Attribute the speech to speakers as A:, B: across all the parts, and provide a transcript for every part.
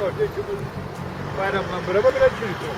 A: orada bayramla beraber biraz çürütüyor.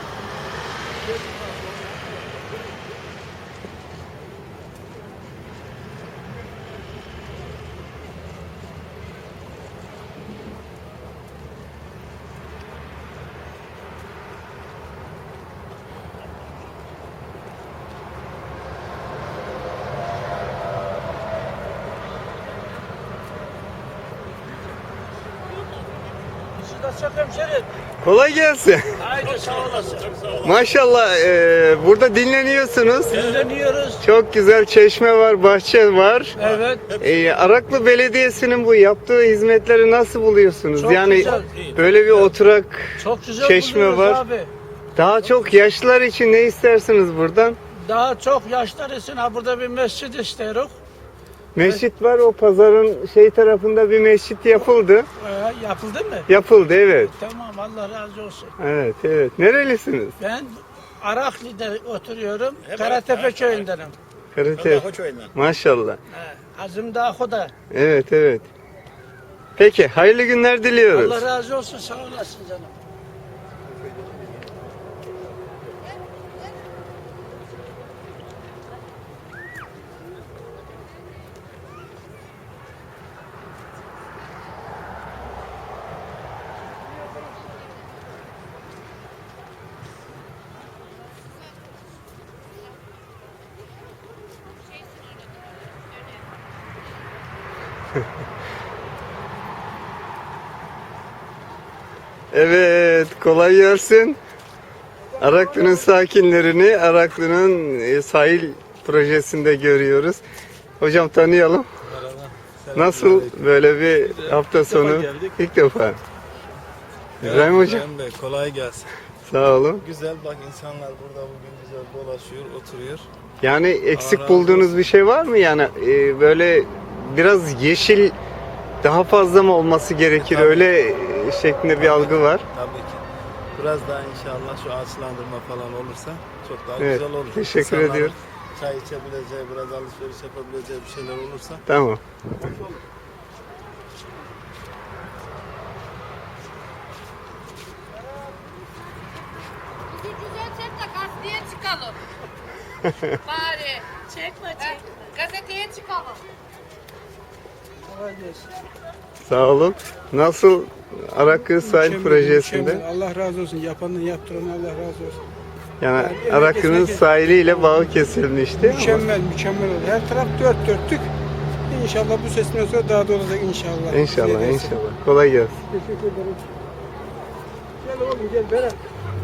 B: Çok hemşerim.
C: Kolay gelsin.
B: Haydi sağ olasın.
C: Maşallah burada dinleniyorsunuz.
B: Dinleniyoruz.
C: Çok güzel çeşme var, bahçe var.
B: Evet.
C: Araklı Belediyesi'nin bu yaptığı hizmetleri nasıl buluyorsunuz?
B: Çok
C: yani
B: güzel.
C: böyle bir oturak
B: Çok güzel
C: çeşme
B: buluyoruz
C: var.
B: abi.
C: Daha çok yaşlılar için ne istersiniz buradan?
B: Daha çok yaşlar için ha burada bir mescid istiyoruz.
C: Mescit var, o pazarın tarafında bir mescit yapıldı.
B: Yapıldı mı?
C: Yapıldı, evet.
B: Tamam, Allah razı olsun.
C: Evet, evet. Nerelisiniz?
B: Ben Araklı'da oturuyorum. Karatepe köyündenim.
C: Karate. Maşallah.
B: Azim Dağı'da.
C: Evet, evet. Peki, hayırlı günler diliyoruz.
B: Allah razı olsun, sağ olasın canım.
C: Evet, kolay gelsin. Araklı'nın sakinlerini Araklı'nın sahil projesinde görüyoruz. Hocam tanıyalım. Nasıl böyle bir hafta sonu? İlk defa. İbrahim Hocam.
D: İbrahim Bey, kolay gelsin.
C: Sağ olun.
D: Güzel, bak insanlar burada bugün güzel dolaşıyor, oturuyor.
C: Yani eksik
D: Allah
C: bulduğunuz
D: razı olsun.
C: bir şey var mı? Yani böyle biraz yeşil daha fazla mı olması gerekir?
D: Tabii.
C: Öyle şeklinde bir algı var.
D: Tabii ki. Biraz daha inşallah şu ağaçlandırma falan olursa çok daha
C: Evet,
D: güzel olur.
C: teşekkür
D: İnsanların
C: ediyorum.
D: Çay içebileceği, biraz alışveriş yapabileceği bir şeyler olursa.
C: Tamam.
E: Bizi güzel çek de gazeteye çıkalım. Bari. Çekme. Gazeteye çıkalım.
C: Sağ olun. Nasıl Araklı Sahil Projesi'nde?
F: Mükemmel. Allah razı olsun. Yapanın yaptıranı Allah razı olsun.
C: Yani
F: Yani
C: Araklı'nın
F: herkes-
C: sahiliyle bağı kesilmişti. ama
F: Mükemmel, mükemmel oldu. Her taraf dört dörtlük. İnşallah bu seçimden sonra daha da olacak inşallah.
C: İnşallah,
F: Ziyadesi.
C: inşallah. Kolay gelsin.
F: Teşekkür ederim. Gel oğlum gel Berat.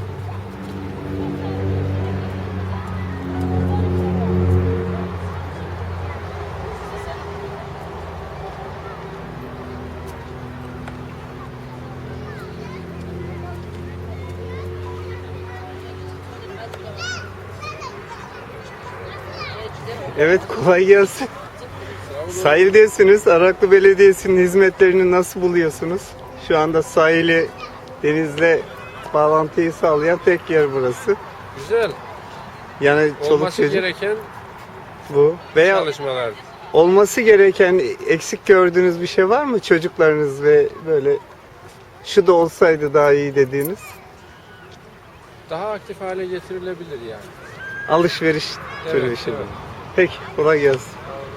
C: Evet, kolay gelsin. Sahildesiniz. Araklı Belediyesi'nin hizmetlerini nasıl buluyorsunuz? Şu anda sahili denizle bağlantıyı sağlayan tek yer burası.
G: Güzel.
C: Yani çoluk
G: Olması
C: çocuk
G: gereken
C: bu. Veya
G: çalışmalar.
C: olması gereken eksik gördüğünüz bir şey var mı çocuklarınız ve böyle şu da olsaydı daha iyi dediğiniz?
G: Daha aktif hale getirilebilir yani.
C: Alışveriş türü
G: Evet,
C: bir şey.
G: evet.
C: Peki, kolay gelsin.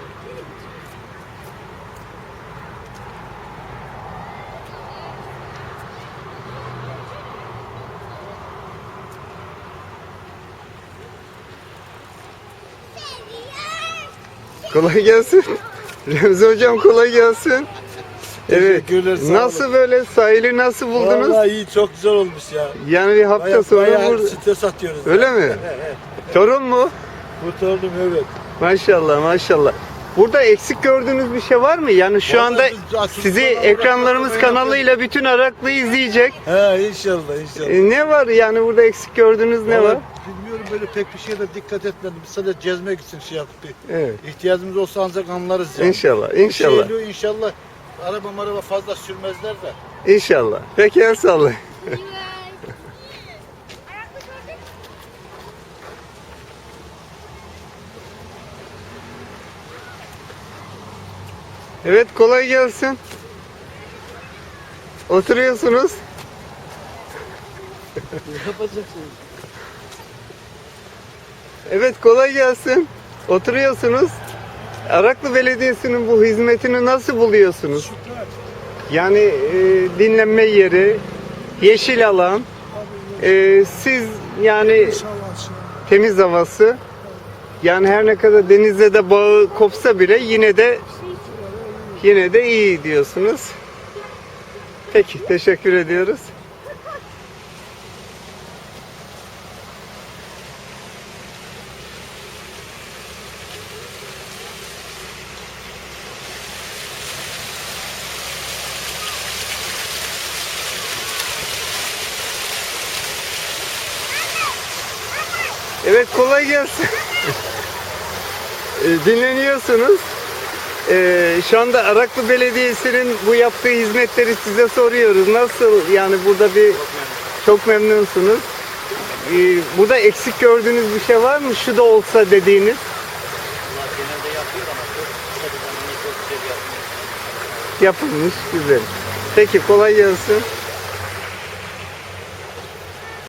C: Kolay gelsin. Remzi hocam kolay gelsin. Evet.
D: Teşekkürler, sağ
C: Nasıl
D: olun.
C: böyle sahili nasıl buldunuz?
D: Vallahi iyi, çok güzel olmuş ya.
C: Yani bir hafta sonra
D: Bayağı
C: burada.
D: stres atıyoruz.
C: Öyle mi? Torun mu?
D: Kurtardım, evet.
C: Maşallah, maşallah. Burada eksik gördüğünüz bir şey var mı? Yani şu
D: Vallahi
C: anda
D: biz açık
C: sizi
D: kanalda
C: ekranlarımız
D: böyle
C: kanalıyla bütün Araklı izleyecek.
D: He, inşallah, inşallah.
C: Ne var yani burada eksik gördüğünüz ne var?
D: Vallahi bilmiyorum, böyle pek bir şeye de dikkat etmedim. Biz sadece gezmek için şey yaptık.
C: Evet.
D: İhtiyacımız olsa ancak anlarız yani.
C: İnşallah, inşallah.
D: Şeyli, inşallah araba fazla sürmezler de.
C: İnşallah. Peki el sallayın. Evet, kolay gelsin. Oturuyorsunuz.
D: Yapacaksınız.
C: Evet, kolay gelsin. Oturuyorsunuz. Araklı Belediyesi'nin bu hizmetini nasıl buluyorsunuz? Yani dinlenme yeri, yeşil alan, siz yani temiz havası. Yani her ne kadar denizle de bağı kopsa bile yine de iyi diyorsunuz. Peki, teşekkür ediyoruz. Evet, kolay gelsin. Dinleniyorsunuz. Şu anda Araklı Belediyesi'nin bu yaptığı hizmetleri size soruyoruz. Nasıl, yani burada çok memnunsunuz. Burada eksik gördüğünüz bir şey var mı? Şu da olsa dediğiniz.
H: Genelde yapıyor ama çok kısa bir zamanda çok güzel yapıyor.
C: Yapılmış, güzel. Peki, kolay gelsin.